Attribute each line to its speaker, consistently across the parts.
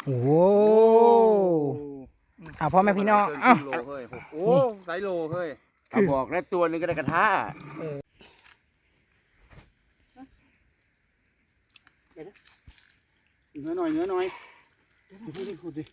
Speaker 1: โอ้โหพ่อแม่พี่น้อง
Speaker 2: โลเฮ้ยโอ้ไซโลเฮ้ยบอกแล้วตัวนึงก็ได้กระทะเนื้อหน่อยขุดดิ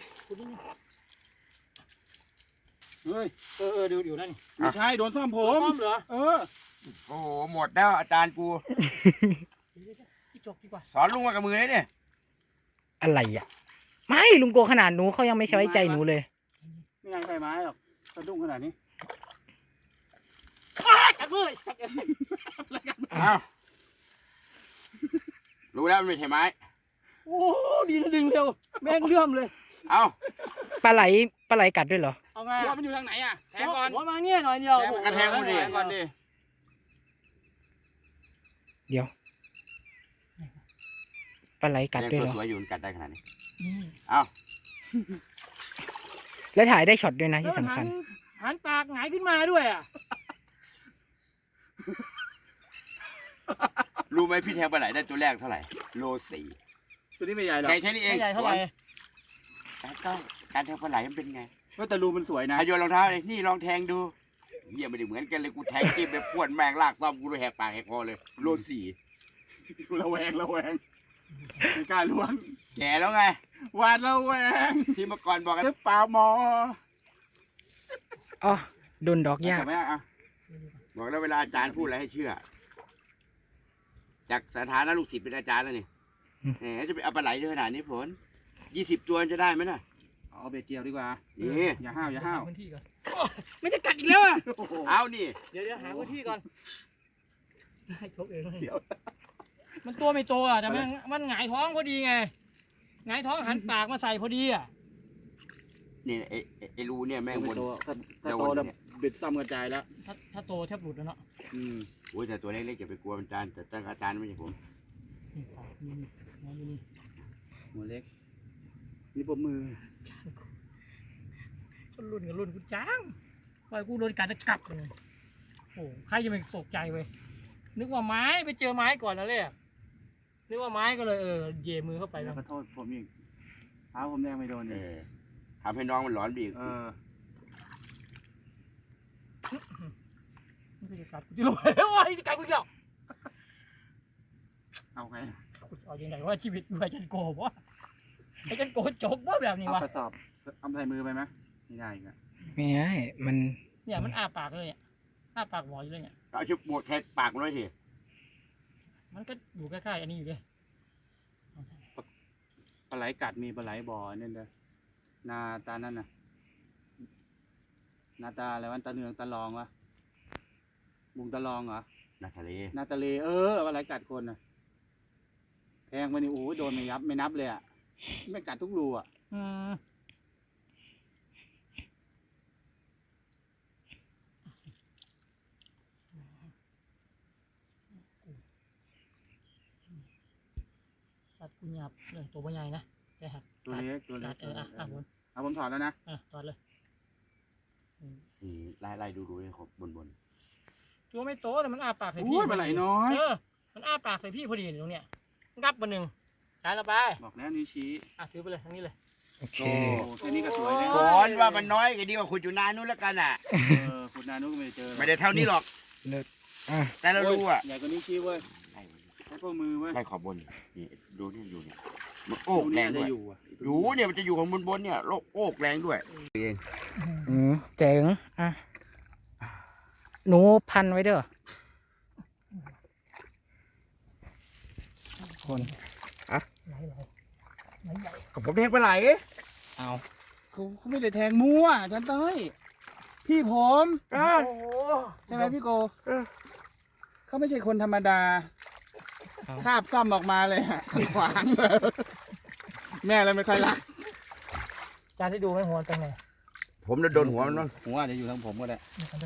Speaker 2: เฮ้ย
Speaker 3: ดูนั่น
Speaker 2: ไม่ใช่โดนซ่อมผม
Speaker 3: ซ่อมเหรอ
Speaker 2: โอ้โหหมดแล้วอาจารย์กู
Speaker 3: พี่จบดีกว่า
Speaker 2: สอนลุงมากับมือเลยเนี่ย
Speaker 1: อะไรอ่ะไม่ลุงโกขนาดหนูเขายังไม่ไว้ใจหนูเลย
Speaker 2: ไม่นายใส่ไม้หรอกกระดุ้งขนาดนี้
Speaker 3: จับมือ
Speaker 2: อ้าวรู้แล้วมันไม่ใช่ไม้
Speaker 3: โอ้ดีนะดึงเร็วแม่งเลื่อมเลย
Speaker 2: เอา
Speaker 1: ปลาไหลกัดด้วยเหรอ
Speaker 3: เอาไง
Speaker 2: ว่ามันอยู่ทางไหนอ่ะแทงก่อน
Speaker 3: หัวมาเงี้ยหน่อยเดียว
Speaker 2: กระแทงมันดิก่อนดิ
Speaker 1: เดี๋ยวปลาไหลกัดด้วยเหรอ
Speaker 2: สวยอยู่กัดได้ขนาดนี้
Speaker 1: เอา แล้วถ่ายได้ช็อตด้วยนะที่สำคัญ
Speaker 3: หันปากหงายขึ้นมาด้วยอ่ะ
Speaker 2: รู้ไหมพี่แทงปลาไหลได้ตัวแรกเท่าไหร่โล 4ตัวนี้ไม่ใหญ่หรอก
Speaker 3: ใหญ่เท่าไหร่
Speaker 2: การแทงปลาไหลมันเป็นไงก็แต่รูมันสวยนะโยนรองเท้าเลยนี่ลองแทงดูเยี่ยมไม่ได้เหมือนกันเลยกูแทงจิ้มไปพวดแมงลากซ่อมกูเลยแหกปากแหกคอเลยโล 4กูระแวงไม่กล้าล้วงแก่แล้วไงหวาดระแวงที่เมื่อก่อนบอกกันหรือเปล่าหมอ
Speaker 1: อ๋อโดนดอกยาก
Speaker 2: บอกแล้วเวลาอาจารย์พูดอะไรให้เชื่อจากสถานะลูกศิษย์เป็นอาจารย์แล้วนี่แหมจะไปเอาปลาไหลด้วยขนาดนี้ผล20 ตัวจะได้ไหมน่ะเอาเบ็ดเกี่ยวดีกว่านี่อย่าห้าว
Speaker 3: พื้นที่ก่อนไม่จะกัดอีกแล้วอ่ะ
Speaker 2: เอานี่
Speaker 3: เดี๋ยวหาพื้นที่ก่อนให้ชกเองมันตัวไม่โตอ่ะแต่มันหงายท้องพอดีไงหงายท้องหันปากมาใส่พอดีอ่ะ
Speaker 2: นี่ไอ้รูเนี่ยแม่งบน
Speaker 4: ถ้าโตแล้วเบ็ดซ้ำกระจายแล้ว
Speaker 3: ถ้าโตแทบหลุดแล้วเนาะ
Speaker 2: โอ้ยแต่ตัวเล็กๆอย่าไปกลัวอาจารย์แต่ตั้งอาจารย์ไม่ใช่ผม
Speaker 4: หัวเล็กนี่ปมมือ
Speaker 3: คนรุ่นกับรุ่นกูจ้างปล่อยกูโดนกัดจะกลับเลยโอ้ใครจะไม่ตกใจเว้ยนึกว่าไม้ไปเจอไม้ก่อนแล้วเลยนึกว่าไม้ก็เลยเย่มือเข้าไป
Speaker 4: แล้วขอโทษผมอีกเท้าผมแดงไม่โดน
Speaker 2: ทำให้น้องมันร้อนบีก
Speaker 3: มันจะกัดกูจะลอยโอ้ยจะกัดกูอีกแล้ว
Speaker 4: เอาไง
Speaker 3: เอาอย่างไรว่าชีวิตอยู่ไอ้จันโกบ่ไอ้จันโกจกบ่แบบนี้วะ
Speaker 4: กระสอบเอาใส่มือไปไหมไม่ได้ครับ
Speaker 1: ไม่ได้มัน
Speaker 3: เนี่ยมันอ้าปากเลยเนี่ยอ้าปากหวออยู่เลยเนี่ย
Speaker 2: เอาชุบหมดแทะปากมันไว้ที
Speaker 3: มันก็อยู่ใกล้ๆอันนี้อยู่เลย
Speaker 4: ปลาไหลกัดมีปลาไหลบ่อเนี่ยเลยนาตานั่นน่ะนาตาอะไรวันตาเนืองตาลองวะบุงตาลองเหรอ
Speaker 2: นาทะเล
Speaker 4: ปลาไหลกัดคนน่ะแทงไปนี่โอ้โดนไม่นับเลยอ่ะไม่กัดทุกรูอ่ะ
Speaker 3: สัตว์กุญยับเลยตัวใหญ่นะได้ครับ
Speaker 4: ตัวเล็กผมถอดแล้วนะ
Speaker 3: ถอดเลย
Speaker 2: ไล่ดูเลยครับบน
Speaker 3: ตัวไม่โตแต่มันอ้าปากใส่พี่
Speaker 4: ปลาไหลน้อย
Speaker 3: มันอ้าปากใส่พี่พอดีตรงเนี้ยงับมาหนึ่งจ่ายละไป
Speaker 4: บอกแล้วนิ้วชี้
Speaker 3: ถือไปเลยทั้งนี้เลย
Speaker 1: โอเค
Speaker 4: แค่นี้ก็สวยแล้ว
Speaker 2: ก่อนว่ามันน้อยก็ดีกว่าขุดอยู่นานนู้นแล้วกันอ่ะ
Speaker 4: ขุดนานนู้นก็ไม่เจอ
Speaker 2: ไม่ได้เท่านี้หรอกแต่เรารู้อ่ะ
Speaker 4: ใหญ่กว่านิ้วชี้เว้ยให้ข้อมือเว้ย
Speaker 2: ไล่ขอบบนนี่ดูนี่อยู่เนี่ยมันโอกแรงด้วยอยู่เนี่ยมันจะอยู่ของบนเนี่ยโอกแรงด้วย
Speaker 1: เจ๋งหนูพันไว้เด้อคน
Speaker 2: ผมแทงปลาไหล
Speaker 1: เอา
Speaker 4: เขาไม่ได้แทงมั่วจันเต้ยพี่ผมใช่ไหมพี่โกเขาไม่ใช่คนธรรมดาคาบซ่อมออกมาเลยขวางเลยแม่เลยไม่ค่อยรัก
Speaker 3: จานที่ดูไม่หัวตรงไหน
Speaker 2: ผมจะโดนหัวมันมั้ง
Speaker 4: หัวจะอยู่ทางผมก็ได้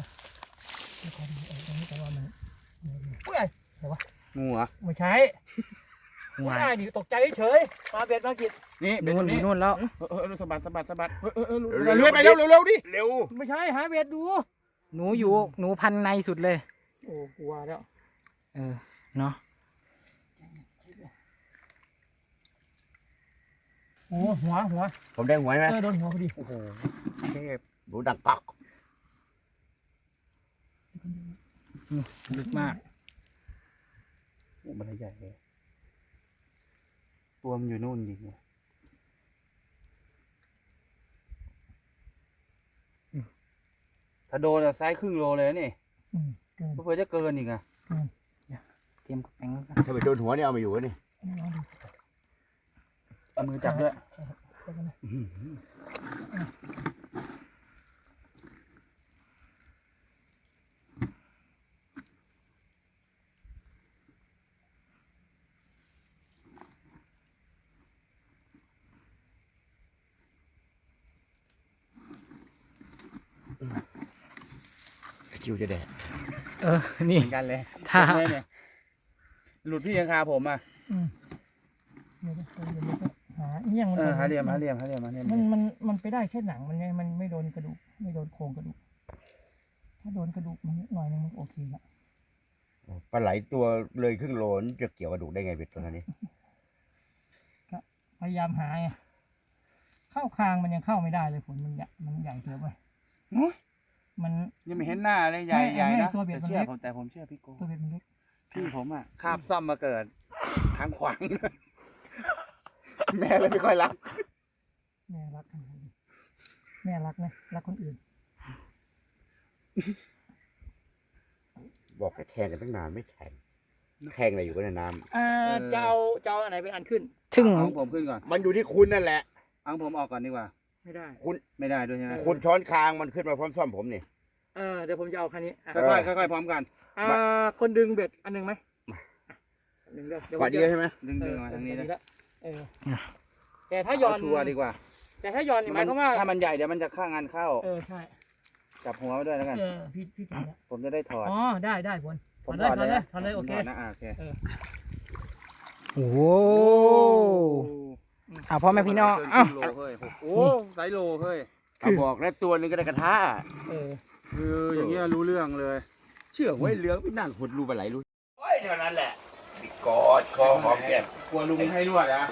Speaker 3: อุ้ยอะไรวะ
Speaker 4: งูเหรอ
Speaker 3: ไม่ใช่ไม่ได้ดิตกใจเฉยมาเบ็ดมากิน
Speaker 4: นี่
Speaker 1: นู่นแล้ว
Speaker 4: สะบัดเลื่อยไปเร็วดิ
Speaker 2: เร็ว
Speaker 3: ไม่ใช่หาเบ็ดดู
Speaker 1: หนูพันในสุดเลย
Speaker 3: โอ้กลัวแล้ว
Speaker 1: เนาะ
Speaker 3: โอ้หัว
Speaker 2: ผมแดงหัวไหม
Speaker 3: โดนหัวพอดี
Speaker 4: โอ้โหเทพ
Speaker 2: ดูดังปัก
Speaker 1: ลึกมาก
Speaker 4: โอ้มันใหญ่เลยตัวมันอยู่นู่นจริงว่ะถ้าโดนอะไซส์ครึ่งโลเลยนะนี่
Speaker 3: เกิน
Speaker 4: เพื่อจะเกินอีกอะ
Speaker 1: เตรียมกระแป้ง
Speaker 2: ถ้าไปโดนหัวเนี่ยเอามาอยู่วะนี่
Speaker 4: เอามือจับด้วย
Speaker 2: คิวจะแดด
Speaker 1: นี่
Speaker 4: เหมือนกันเลย
Speaker 1: ถ้า
Speaker 4: เห็นไหมเนี่ยหลุดพี่ยังคาผมอ่ะ
Speaker 3: เดี๋ยวหาเงี้ยง
Speaker 4: หาเหลี่ยม
Speaker 3: มันไปได้แค่หนังมันไงมันไม่โดนกระดูกไม่โดนโครงกระดูกถ้าโดนกระดูกมันหน่อยนึงมันโอเคละ
Speaker 2: ปลาไหลตัวเลยครึ่งโลนี่จะเกี่ยวกระดูกได้ไงเป็ดตัวนี้
Speaker 3: พยายามหาไงเข้าคางมันยังเข้าไม่ได้เลยผลมันใหญ่เกินไปมัน
Speaker 4: ยังไม่เห็นหน้าเลยใหญ่
Speaker 3: ไม่
Speaker 4: ใหญ่นะ
Speaker 3: ตัวเบียด
Speaker 4: แต่
Speaker 3: มัน
Speaker 4: เชื่อ
Speaker 3: เล็ก
Speaker 4: ผมแต่ผมเชื่อพี่โก
Speaker 3: ตัวเบ็ดมันเล็ก
Speaker 4: พี่ผมอ่ะคาบซ่อมมาเกิดทางขวาง แม่เลยไม่ค่อยรัก
Speaker 3: แม่รักกันแม่รักนะรักคนอื่น
Speaker 2: บอกจะแทงกันตั้งนานไม่แทงแทงอะไรอยู่ก็ในน้
Speaker 3: จะเอาอันไหนเป็นอันขึ้น
Speaker 1: ถึง
Speaker 4: เอาของผมขึ้นก่อน
Speaker 2: ำมันอยู่ที่คุณนั่นแหละ
Speaker 4: เอาของผมออกก่อนดีกว่า
Speaker 3: ไม่ได้
Speaker 4: ไม่ได้ด้วยใช่ไหม
Speaker 2: คุณช้อนคางมันขึ้นมาพร้อมซ่อมผมนี่
Speaker 3: เดี๋ยวผมจะเอาคันนี้
Speaker 4: ค่อยๆพร้อมกัน
Speaker 3: คนดึงเบ็ดอันหนึ่งไหมหนึ่งเดี๋ยว
Speaker 2: กว่าเดียวใช่ไหม
Speaker 4: ดึงมาทางนี้นะ
Speaker 3: แต่ถ้าย้อน
Speaker 4: เชัวร์ดีกว่า
Speaker 3: แต่ถ้าย้อนนี่หมายความว่า
Speaker 4: ถ้ามันใหญ่เดี๋ยวมันจะข้างงานเข้า
Speaker 3: ใช่
Speaker 4: จับหัวไว้ด้วยแล้วกัน
Speaker 3: พี่ถึงแล้ว
Speaker 4: ผมจะได้ถอด
Speaker 3: ได้ผล
Speaker 4: ผม
Speaker 3: ถอดเลยโอเค
Speaker 4: ถอดนะโอเค
Speaker 1: โอ้โหพ่อแม่พี่น้อง
Speaker 4: เกินครึ่งโลเฮ้ยโอ้ไซส์โลเฮ้ย
Speaker 2: เขาบอกแล้วตัวหนึงก็ได้กระทะ
Speaker 4: คืออย่างเงี้ยรู้เรื่องเลย
Speaker 2: เชื่อไว้เหลืองพี่นั่งหดรูปลาไหลรู้โอ้ยเท่านั้นแหละกอดคอหอมแก้ม
Speaker 4: กลัวลุงให้รวดนะ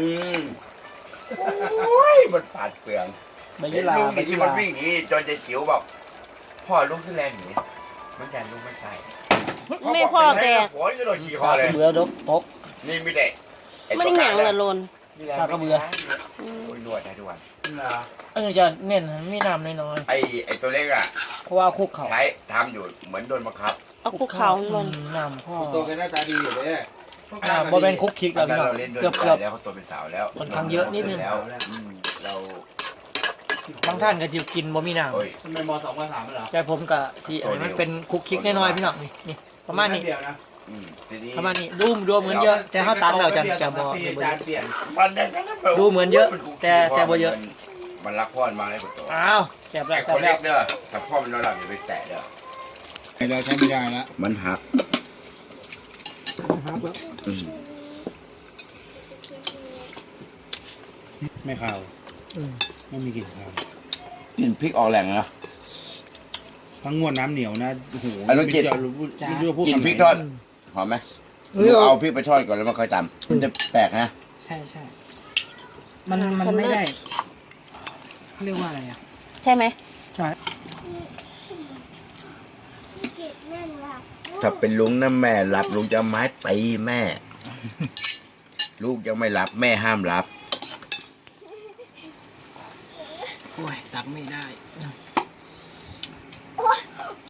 Speaker 2: โอ้ยมันปาดเปลือง
Speaker 1: ไม่
Speaker 2: เห็
Speaker 1: ยี่
Speaker 2: น
Speaker 1: ลา
Speaker 2: ลุง
Speaker 1: ไม่
Speaker 2: นี่ที่
Speaker 1: ยี่
Speaker 2: มั
Speaker 1: ลาน
Speaker 2: วิ่งหนีจนจะจิ๋วบอกพ่อลุงที่แรงหนีมันแดนลุงไม่ใส่
Speaker 5: ไม่พ่อแต่
Speaker 2: หัวจะโดนขี่คอเลย
Speaker 1: เบื่อดกตก
Speaker 2: นี่ไม่ได้
Speaker 5: ไม่ได้หยังละลน
Speaker 1: ชาก็เบื่อ
Speaker 2: โอ้ยนวดได้ทุกวัน
Speaker 3: อันนี้จะเน้นมีน้ำน้อย
Speaker 2: ไอ้ตัวเล็กอ่ะ
Speaker 3: ๆเพราะว่าคุกเขา
Speaker 2: ใช้ทำอยู่เหมือนโดนบังคับ
Speaker 5: เอาคุกเขาลง
Speaker 3: น้ำพ่อ
Speaker 4: ตัวแกหน้าตาดีอยู่เลย
Speaker 3: บ่เป็นคุกคิก
Speaker 2: ตอ
Speaker 3: แล้ว
Speaker 2: นนั้น
Speaker 3: พี่น้อง
Speaker 2: เราเล่นด้วย
Speaker 3: เกือบ
Speaker 2: แล้วเขาตัวเป็นสาวแล้ว
Speaker 3: ค่อนข้างเยอะนิดนึง
Speaker 2: แล้วเรา
Speaker 3: บางท่านก็จะกินบ่มีน้
Speaker 2: โอ้ย
Speaker 4: ทำไมม2ม3เหรอ
Speaker 3: ำแต่ผมก็ที่อันนี้มันเป็นคุกคิกน้อยๆพี่น้องนี่ประมาณนี้
Speaker 4: เดียวนะ
Speaker 2: ทีนี้
Speaker 3: ประมาณนี้ดูเหมือนเยอะ แต่ถ้าตัดเราจะบ่
Speaker 4: จานเปลี่ยน
Speaker 2: มันได้แค่นั้น
Speaker 3: ดูเหมือนเยอะแต่บ่เยอะ
Speaker 2: มันรักพ่อมันมาเลยกว่าตัว
Speaker 3: อ้าวแซ่บแล้ว
Speaker 2: ไอ้
Speaker 3: แซ่
Speaker 2: ค
Speaker 3: บ
Speaker 2: น
Speaker 3: แล้
Speaker 2: เล็
Speaker 3: ว
Speaker 2: กเด้อถ้าพ่อมันนอนหลับอย่าไปแตะเด้อ
Speaker 4: เราใช้ไม่ได้ละ
Speaker 2: มันหักอืม
Speaker 4: ไม่ข่าวไม่มีกลิ่นข่าว
Speaker 2: กลินพริกออกแหล่งนะ
Speaker 4: ทั้งงวดน้ำเหนียวนะโอ้โห
Speaker 2: ไอ้ลูกจิต กลินพริกทอดหอมไหมเอาพริกไปทอดก่อนแล้วมาค่อยตำมันจะแปลกนะ
Speaker 1: ใช่มันไม่ได้เขาเรียกว่าอะไรอ่ะ
Speaker 5: ใช่ไหม
Speaker 1: ใช่
Speaker 2: ถ้าเป็นลุงนะแม่หลับลุงจะเอาไม้ตีแม่ ลูกยังไม่หลับแม่ห้ามหลับ
Speaker 1: โอ้ยตักไม่ได้